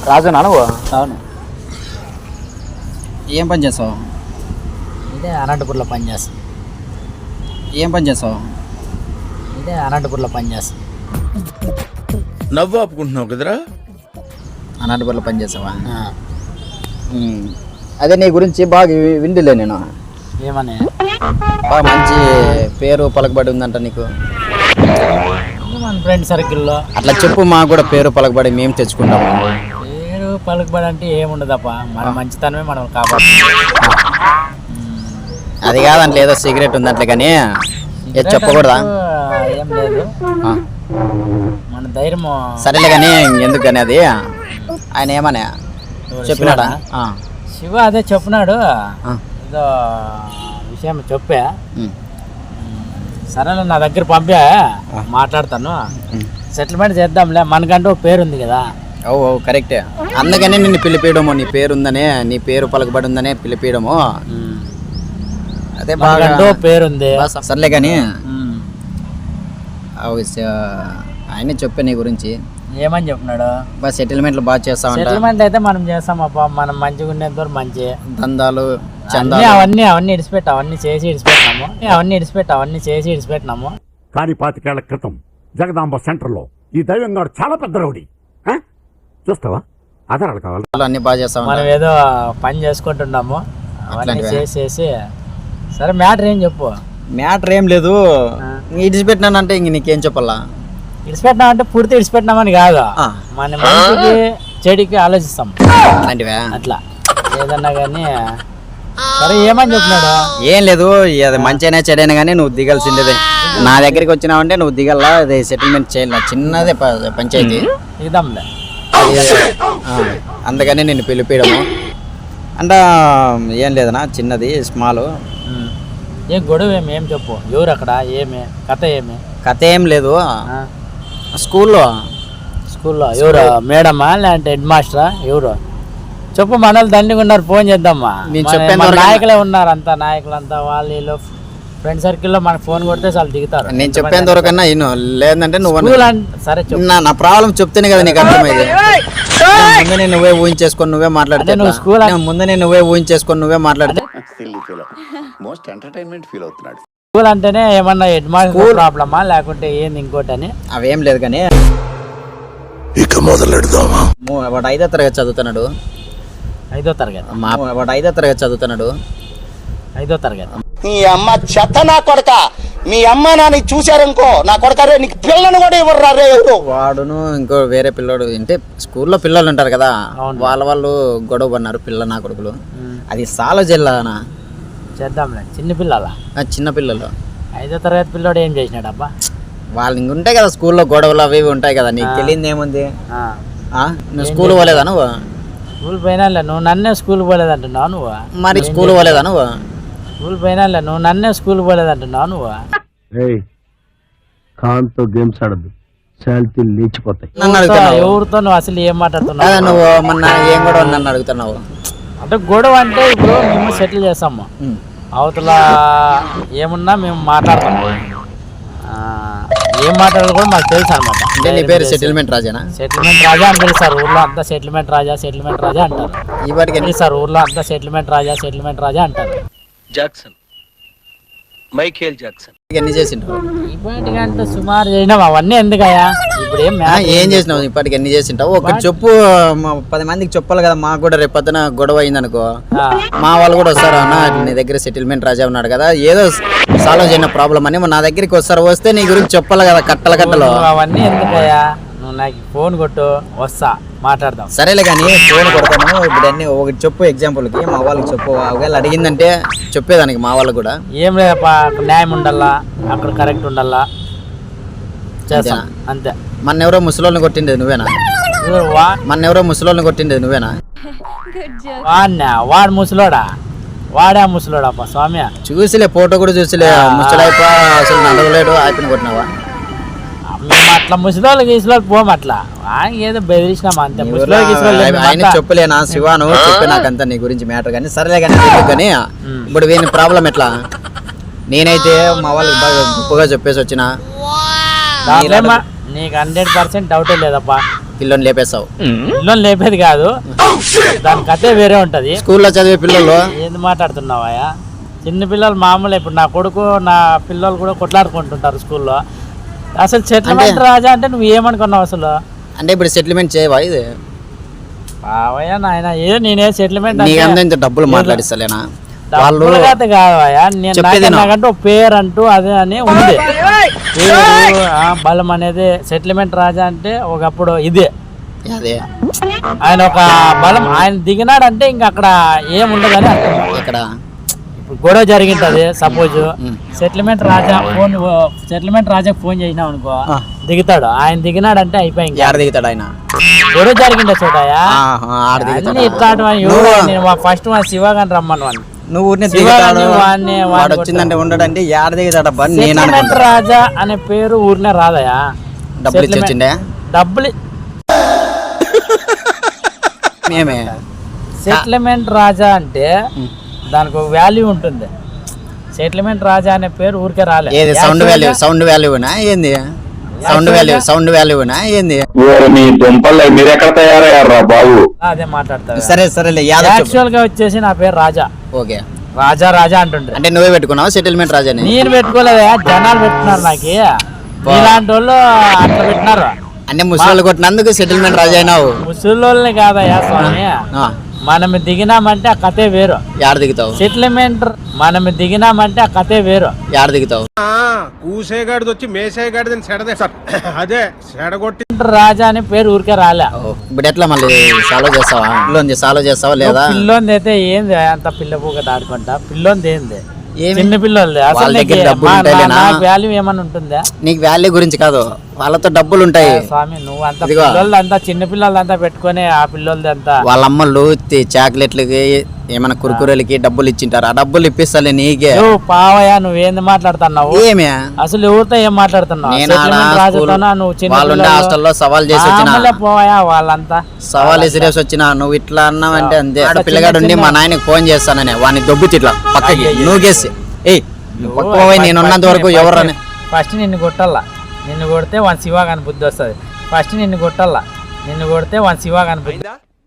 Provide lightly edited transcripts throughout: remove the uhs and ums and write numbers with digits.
రాజునా నువ్వు? అవును. ఏం పని చేస్తావు? ఇదే అనంతపూర్లో పని చేస్తాను. ఏం పని చేస్తావు? ఇదే అనంతపూర్లో పని చేస్తాను. నవ్వు ఆపుకుంటున్నావు కదరా? అనంతపూర్లో పని చేస్తావా? అదే నీ గురించి బాగా విండిలే నేను. ఏమని? బాగా మంచి పేరు పలకబడి ఉందంట నీకు. మన ఫ్రెండ్ సర్కిల్లో అట్లా చెప్పు, మాకు కూడా పేరు పలకబడి మేము తెచ్చుకుంటాము. పేరు పలుకుబడి అంటే ఏముండదప్ప, మన మంచితనమే మనం కాబట్టి. అది కాదంటే ఏదో సీక్రెట్ ఉందంటే కానీ చెప్పకూడదా? ఏం లేదు, మన ధైర్యం. సరేలే కానీ ఎందుకు కానీ అది ఆయన ఏమన్నా చెప్పినాడా? శివ అదే చెప్పినాడు, ఏదో విషయం చెప్పా. సరేలే, నా దగ్గర పంపా, మాట్లాడతాను, సెటిల్మెంట్ చేద్దాంలే, మనకంటూ పేరు ఉంది కదా. ఓ కరెక్టే, అందుకనే నిన్ను పిలిపేయడము, నీ పేరు ఉందనే, నీ పేరు పలకబడి ఉందనే పిలిపేయడము. అదే బాగా పేరుంది. సర్లే కానీ ఆయన చెప్పే నీ గురించి ఏమని చెప్పినాడు? బాగా సెటిల్మెంట్లు బాగా చేస్తామంట. సెటిల్మెంట్ అయితే మనం చేస్తాం అప్ప, మనం మంచిగా ఉండేంత వరకు మంచి. దందాలు అవన్నీ ఇడిచిపెట్టి అవన్నీ చేసి ఇడిచిపెట్టినాము. కానీ 25 ఏళ్ల క్రితం జగదాంబ సెంటర్లో ఈ దైవంగాడు చాలా పెద్ద రౌడీ. చూస్తావా? ఆధారాలు కావాలి. అన్ని బాగా చేస్తాం. మనం ఏదో పని చేసుకుంటున్నాము, అవన్నీ చేసేసి. సరే, మ్యాటర్ ఏం చెప్పు. మ్యాటర్ ఏం లేదు, ఇడిచిపెట్టినానంటే ఇంక నీకేం చెప్పాలా? ఇడిచిపెట్టినామంటే పూర్తి ఇడిచిపెట్టినామని కాదు, మన మంచికి చెడికి ఆలోచిస్తాం అలాంటివే. అట్లా ఏదన్నా కానీ. సరే, ఏమని చెప్పినాడు? ఏం లేదు, అది మంచిగానే చెడైనా కానీ నువ్వు దిగాల్సిందే. నా దగ్గరికి వచ్చినావంటే నువ్వు దిగల్లా, అది సెటిల్మెంట్ చేయాలి. చిన్నదే పంచాయతీ ఇద్దాంలే. అందుకని నిన్ను పిలిపేయడము అంటే ఏం లేదనా, చిన్నది స్మాల్. ఏం గొడవ ఏం చెప్పు, ఎవరు అక్కడ, ఏమి కథ, కథ ఏం లేదు. స్కూల్లో ఎవరు, మేడమా లేదంటే హెడ్ మాస్టరా, ఎవరు చెప్పు. మనల్ని దండిగా ఉన్నారు, ఫోన్ చేద్దామా. నాయకులే ఉన్నారు, అంతా నాయకులంతా వాళ్ళు ఫ్రెండ్ సర్కిల్లో మనకు ఫోన్ కొడితే చాలా దిగుతారు. నేను చెప్పేంత వరకన్నా లేదంటే నువ్వు సరే నా ప్రాబ్లం చెప్తేనే కదా నీకు అర్థమైంది. ముందే నువ్వే ఊహించేసుకొని నువ్వే మాట్లాడితే స్కూల్ అంటేనే ఏమన్నా హెడ్ మాస్టర్ ప్రాబ్లమా లేకుంటే ఏంది ఇంకోటి అని అవేం లేదు కానీ. ఇక మొదలెడదామా? వాడు 5వ తరగతి చదువుతున్నాడు. 5వ తరగతి? వాడు 5వ తరగతి చదువుతున్నాడు. 5వ తరగతి? నీ అమ్మ చెత్త నా కొడక, మీ అమ్మ నాని చూశారనుకో నా కొడక, రే నీకు పిల్లలను కూడా ఇవ్వరు రే ఎవరు. వాడును ఇంకో వేరే పిల్లోడు అంటే స్కూల్లో పిల్లలు ఉంటారు కదా, వాళ్ళు గొడవ పడినారు, పిల్ల నా కొడుకులు. అది సాలో జిల్లానా చేద్దాంలే. చిన్న పిల్లలు 5వ తరగతి పిల్లోడు ఏం చేసినాడు అబ్బా? వాళ్ళు ఇంక ఉంటాయి కదా స్కూల్లో గొడవలు అవి ఉంటాయి కదా, నీకు తెలియదు ఏముంది. నువ్వు స్కూల్ పోలేదా? నువ్వు స్కూల్ పోయినా, నువ్వు నన్నే స్కూల్ పోలేదంటున్నావు నువ్వు. మరి స్కూల్ పోలేదా? నువ్వు స్కూల్ పోయినా, నువ్వు నన్నే స్కూల్ పోలేదంటున్నావు నువ్వు. కాంతో గేమ్స్ ఆడద్దు, శాలిటీ లేచిపోతాయి. ఎవరితో నువ్వు అసలు ఏం మాట్లాడుతున్నావు? నువ్వు మొన్న ఏం గొడవ నన్ను అడుగుతున్నావు. అంటే గొడవ అంటే ఇప్పుడు మేము సెటిల్ చేస్తాము, అవతల ఏమున్నా మేము మాట్లాడతాము. ఏం మాట్లాడాలి కూడా మాకు తెలుసు అనమాట. నీ పేరు సెటిల్మెంట్ రాజానా? సెటిల్మెంట్ రాజా అని పిలుస్తారు ఊర్లో అంతా. సెటిల్మెంట్ రాజా అంటారు. ఈ వాటికి పిలుస్తారు ఊర్లో అంతా, సెటిల్మెంట్ రాజా అంటారు. Jackson, Michael Jackson. ఎన్ని చేసింటావు ఇప్పటికి? అంటే సుమారు చేసినావు. అవన్నీ ఎందుకయ్యా ఇప్పుడు? ఏం చేసినావు ఇప్పటికి? ఎన్ని చేసింటావు? ఒకటి చెప్పు, 10 మందికి చెప్పాలి కదా. మాకు కూడా రేపు పొద్దున గొడవ అయిందనుకో, మా వాళ్ళు కూడా వస్తారు. అన్న నీ దగ్గర సెటిల్మెంట్ రాజా ఉన్నాడు కదా, ఏదో సాల్వ్ చేయన ప్రాబ్లం అని నా దగ్గరికి వస్తారు. వస్తే నీ గురించి చెప్పాలి కదా, కట్టలు. అవన్నీ ఎందుకయ్యా? నువ్వు నాకు ఫోన్ కొట్టు, వస్తా, మాట్లాడదాం. సరేలే కానీ ఫోన్ కొడతాను. ఇప్పుడు అన్ని ఒకటి చెప్పు, ఎగ్జాంపుల్కి మా వాళ్ళకి చెప్పు. ఒకవేళ అడిగిందంటే చెప్పేదానికి మా వాళ్ళకి కూడా. ఏం లేదప్పా, అక్కడ న్యాయం ఉండాలా, అక్కడ కరెక్ట్ ఉండాలా, చేస్తాం అంతే. ఎవరో ముసలోళ్ళని కొట్టిండేది నువ్వేనా? ఎవరో ముసలోళ్ళని కొట్టిండేది నువ్వేనా? వాడు ముసలోడా? వాడే ముసలోడప్ప స్వామి. చూసిలే, ఫోటో కూడా చూసిలే. ముసలైపో అసలు నడవలేడు, ఆపిన కొట్టినావా? మేము అట్లా ముసలోళ్ళు గీసులోకి పోము, అట్లా ఏదో బెదిరించినామా అంతే. ఆయన చెప్పలేనా శివాను చెప్పే నాకంతా నీ గురించి మ్యాటర్. కానీ సరేలే కానీ కానీ ఇప్పుడు వీని ప్రాబ్లం ఎట్లా? నేనైతే మా వాళ్ళకి బాగా గొప్పగా చెప్పేసి వచ్చిన. నీకు 100% డౌటే లేదప్పా. పిల్లని లేపేస్తావు. పిల్లలు లేపేది కాదు, దాని కథే వేరే ఉంటది. స్కూల్లో చదివే పిల్లలు ఏంది మాట్లాడుతున్నావా? చిన్న పిల్లలు మామూలు. ఇప్పుడు నా కొడుకు నా పిల్లలు కూడా కొట్లాడుకుంటుంటారు స్కూల్లో. అసలు సెటిల్మెంట్ రాజా అంటే నువ్వు ఏమనుకున్నావు అసలు? అంటే ఇప్పుడు సెటిల్మెంట్ చేయవా? ఇది బావయ్య నాయన నేనే సెటిల్మెంట్ నీకంత డబ్బులు మాట్లాడిస్తలేనా? వాళ్ళు కాదయ్యా, నేను నాకంటే ఒక పేరు అంటూ అదే అని ఉంది. పేరు బలం అనేది సెటిల్మెంట్ రాజా అంటే ఒకప్పుడు ఇదే. అదే ఆయన ఒక బలం, ఆయన దిగినాడంటే ఇంక అక్కడ ఏముండదని అర్థం. ఇక్కడ ఇప్పుడు గొడవ జరిగింటది సపోజ్, సెటిల్మెంట్ రాజాకి ఫోన్ చేసినావు అనుకో, దిగుతాడు. ఆయన దిగినాడంటే అయిపోయి ఆడ దిగుతాడు ఆయన. గొడవ జరిగిండే చోటయా ఇట్లా ఫస్ట్ మా శివగాని రమ్మను వాడిని. నువ్వు వాడు వచ్చిందంటే ఉండడంటే ఆడ దిగుతాడబ్బా. సెటిల్మెంట్ రాజా అనే పేరు ఊరినే రాదయా? డబ్బులు ఇచ్చిండే డబ్బులు మేమే. సెటిల్మెంట్ రాజా అంటే దానికి ఒక వాల్యూ ఉంటుంది. సెటిల్మెంట్ రాజా అనే పేరు ఊరికే రాలేదు. ఏది సౌండ్ వాల్యూనా ఏంది? సౌండ్ వాల్యూనా ఏంది? మీ దుంపలు మీరు ఎక్కడ తయారయ్యారా బాబు? అదే మాట్లాడతారు. సరేలే. యాక్చువల్ గా వచ్చేసి నా పేరు రాజా. ఓకే, రాజా అంటుండ్రు. అంటే నువ్వే పెట్టుకున్నావు సెటిల్మెంట్ రాజాని? నేను పెట్టుకోలేదా, జనాలు పెట్టుకున్నారు. నాకు ఇలాంటి వాళ్ళు అట్లా పెట్టినారు. అంటే ముసలి కొట్టినందుకు సెటిల్మెంట్ రాజా అయినావు? ముసలి కాదయ్యా స్వామి, మనం దిగినామంటే ఆ కథే వేరు. యాడ దిగుతావు? సెటిల్మెంట్ మనం దిగినామంటే ఆ కథే వేరు. యాడ దిగుతావు? కూసేగాడిది వచ్చి మేసేగాడిది అదే సెడగొట్టి రాజా అని పేరు ఊరికే రాలే. ఇప్పుడు ఎట్లా మళ్ళీ సాల్వ్ చేస్తావా లేదా? పిల్లోంది అయితే ఏంది అంత పిల్ల పూక దాడుకుంటా? పిల్లోంది ఏంది? చిన్న పిల్లలు. వాల్యూ ఏమన్నా ఉంటుందా? నీకు వాల్యూ గురించి కాదు, వాళ్ళతో డబ్బులు ఉంటాయి స్వామి. నువ్వు అంత పిల్లలు అంతా చిన్న పిల్లలు అంతా పెట్టుకుని ఆ పిల్లలది అంతా వాళ్ళ అమ్మలు చాక్లెట్లకి ఏమైనా కురుకురలకి డబ్బులు ఇచ్చింటారు. ఆ డబ్బులు ఇప్పిస్తాలే నీకే. పావయ్యా నువ్వేంది మాట్లాడుతున్నావు? ఏమే అసలు ఎవరితో ఏం మాట్లాడుతున్నావు? హాస్టల్లో సవాల్ చేసి వచ్చిన పోయా వాళ్ళంతా సవాల్ విసిరేసి వచ్చిన నువ్వు ఇట్లా అన్నావంటే అంతే. పిల్లగాడు ఉండి మా నాయనకి ఫోన్ చేస్తానని వాడిని దొబ్బితి ఇట్లా పక్కకి నూగేసి నేను ఉన్నంత వరకు ఎవరని ఫస్ట్ నిన్ను కొట్టాలా. నిన్ను కొడితే వాని శివాగాని బుద్ధి వస్తుంది. ఫస్ట్ నిన్ను కొట్టాలా. నిన్ను కొడితే వాని శివాగాని బుద్ధి.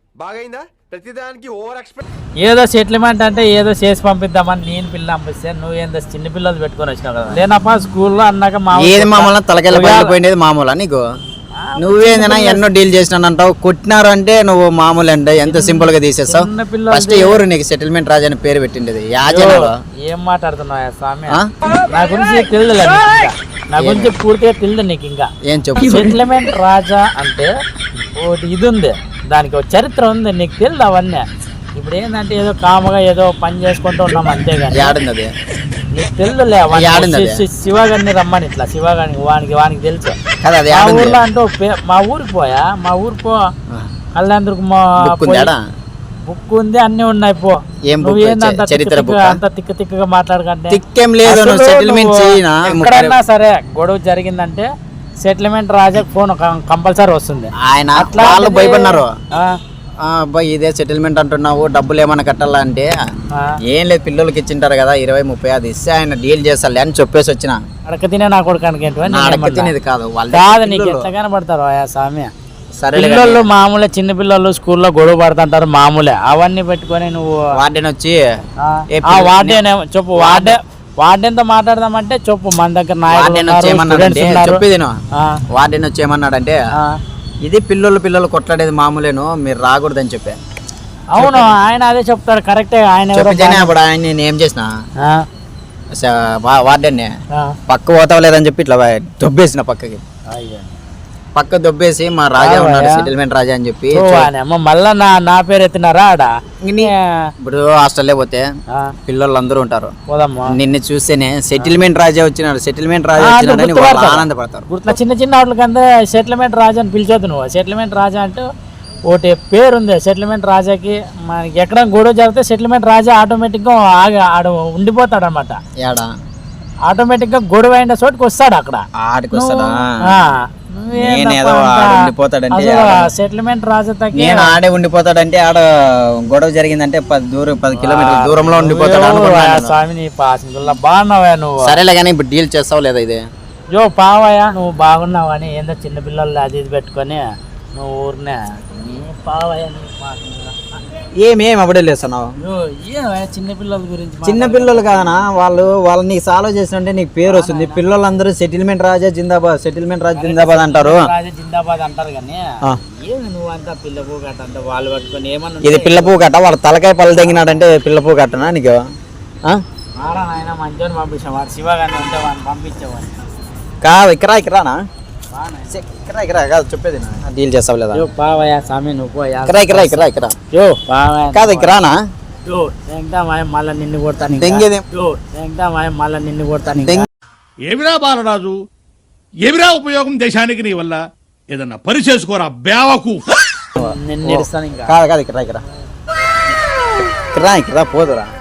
ఏదో సెటిల్మెంట్ అంటే ఏదో చేసి పంపిద్దామని నేను పిల్ల పంపిస్తే నువ్వేందో చిన్న పిల్లలు పెట్టుకొని వచ్చినావు కదా. లేనప్ప స్కూల్లో అన్నాక ఏది మామూలు తలకెళ్ళిపోయినది మామూలు నీకు. నువ్వేదైనా ఎన్నో డీల్ చేసినానంటావు. కొట్టినారు అంటే నువ్వు మామూలు అంటే ఎంత సింపుల్ గా తీసేస్తావు. ఫస్ట్ ఎవరు నీకు సెటిల్మెంట్ రాజా అని పేరు పెట్టిండేది? ఏం మాట్లాడుతున్నావు స్వామి? నా గురించి తెలియదు, నా గురించి పూర్తిగా తెలియదు నీకు. ఇంకా ఏం చెప్పు. సెటిల్మెంట్ రాజా అంటే ఒకటి ఇది ఉంది, దానికి ఒక చరిత్ర ఉంది. నీకు తెలియదు అవన్నీ. ఇప్పుడు ఏంటంటే ఏదో కామగా ఏదో పని చేసుకుంటూ ఉన్నాం అంతేగాని ఆడుంది నీకు తెలుదులే. శివగారిని రమ్మని ఇట్లా శివగాని వానికి తెలుసు. మా ఊర్లో అంటూ మా ఊరికి పోయా, మా ఊరు పో కళ్యాణ్కి బుక్ ఉంది, అన్ని ఉన్నాయి. పో నువ్వేందంత అంత తిక్కగా మాట్లాడకంటే ఎక్కడన్నా సరే గొడవ జరిగిందంటే సెటిల్మెంట్ రాజాకి ఫోన్ కంపల్సరీ వస్తుంది. ఆయన అట్లా భయపడినారు. ఇదే సెటిల్మెంట్ అంటున్నావు, డబ్బులు ఏమైనా కట్టాలా అంటే ఏం లేదు, పిల్లలకి ఇచ్చింటారు కదా 20-30 అది ఇస్తే ఆయన డీల్ చేస్తాలే అని చెప్పేసి వచ్చిన. అడక తినే నా కొడుకు తినేది కాదు కాదు. నీకు ఎట్లా కనబడతారు స్వామి? పిల్లలు మామూలే, చిన్న పిల్లలు స్కూల్లో గొడవ పడుతుంటారు మామూలే. అవన్నీ పెట్టుకొని నువ్వు వార్డెన్ వచ్చి వార్డెన్ చెప్పు. వార్డెన్తో మాట్లాడదామంటే చెప్పు. మన దగ్గర వార్డెన్ వచ్చి ఏమన్నాడంటే ఇది పిల్లలు కొట్లాడేది మామూలేను, మీరు రాకూడదని చెప్పా. అవును, ఆయన అదే చెప్తాడు. కరెక్టే. ఆయన అప్పుడు ఆయన నేను ఏం చేసిన వార్డెన్ పక్క పోతావు లేదని చెప్పి ఇట్లా దొబ్బేసిన పక్క దొబ్బేసి మా రాజా ఉన్నాడు సెటిల్మెంట్ రాజా అని చెప్పి మళ్ళా నా పేరు ఎత్తినారా ఆడ. ఇప్పుడు హాస్టల్లో పోతే పిల్లలు అందరూ ఉంటారు, నిన్ను చూస్తేనే సెటిల్మెంట్ రాజా వచ్చినాడు ఆనందపడతారు. చిన్న చిన్న వాటికంతా సెటిల్మెంట్ రాజా అని పిలిచొద్దు నువ్వు. సెటిల్మెంట్ రాజా అంటే ఒకటి పేరు ఉంది. సెటిల్మెంట్ రాజాకి మనకి ఎక్కడ గొడవ జరిగితే సెటిల్మెంట్ రాజా ఆటోమేటిక్గా ఆడ ఉండిపోతాడు అనమాట. ఆటోమేటిక్ గా గొడవ అయిన చోటుకి వస్తాడు. అక్కడ సెటిల్మెంట్ రాజా నేను ఆడే ఉండిపోతాడంటే ఆడ గొడవ జరిగిందంటే 10 కిలోమీటర్ల దూరంలో ఉండిపోతాడు. స్వామి నీ పాసింగుల్లా బాగున్నావా నువ్వు? సరేలే కానీ ఇప్పుడు డీల్ చేస్తావు లేదా? ఇది పావయ్యా నువ్వు బాగున్నావని ఏందో చిన్న పిల్లలు అది ఇది పెట్టుకొని నువ్వు ఊరినే నీ పావయ్య నీ మాట. ఏమేం అప్పుడే లేస్తున్నావు? చిన్నపిల్లల గురించి చిన్న పిల్లలు కాదనా వాళ్ళు నీకు సాల్వ్ చేసినంటే నీకు పేరు వస్తుంది. పిల్లలందరూ సెటిల్మెంట్ రాజా జిందాబాద్, సెటిల్మెంట్ రాజా జిందాబాద్ అంటారు. రాజా జిందాబాద్ అంటారు కానీ ఏమి నువ్వంతా పిల్ల పూ కట్ట అంటే వాళ్ళు పట్టుకొని ఏమన్నా ఇది పిల్ల పువ్వు కట్ట, వాళ్ళ తలకాయ పళ్ళు తెగినాడంటే పిల్ల పువ్వు కట్టనా నీకు? ఆడా నాయన మంచోని పంపించాం, వాడు శివగారిని ఉంటే వాడిని పంపించేవాడిని కాదు ఇక్కరానా ఇక్కరా కాదు చెప్పేది డీల్ చేస్తావు లేదా? పావయ్య స్వామి నువ్వు ఇక్కడ యో పావయ్య కాదు ఇక్కరానా మళ్ళీ నిన్ను కొడతాను దెంగేది మళ్ళీ నిన్ను కొడతాను. ఏమిరా బాలరాజు, ఏమిరా ఉపయోగం దేశానికి నీ వల్ల? ఏదన్నా పని చేసుకోరా బేవకు. నిన్ను ఇస్తాను ఇంకా. కాదు ఇక్కడ పోదురా.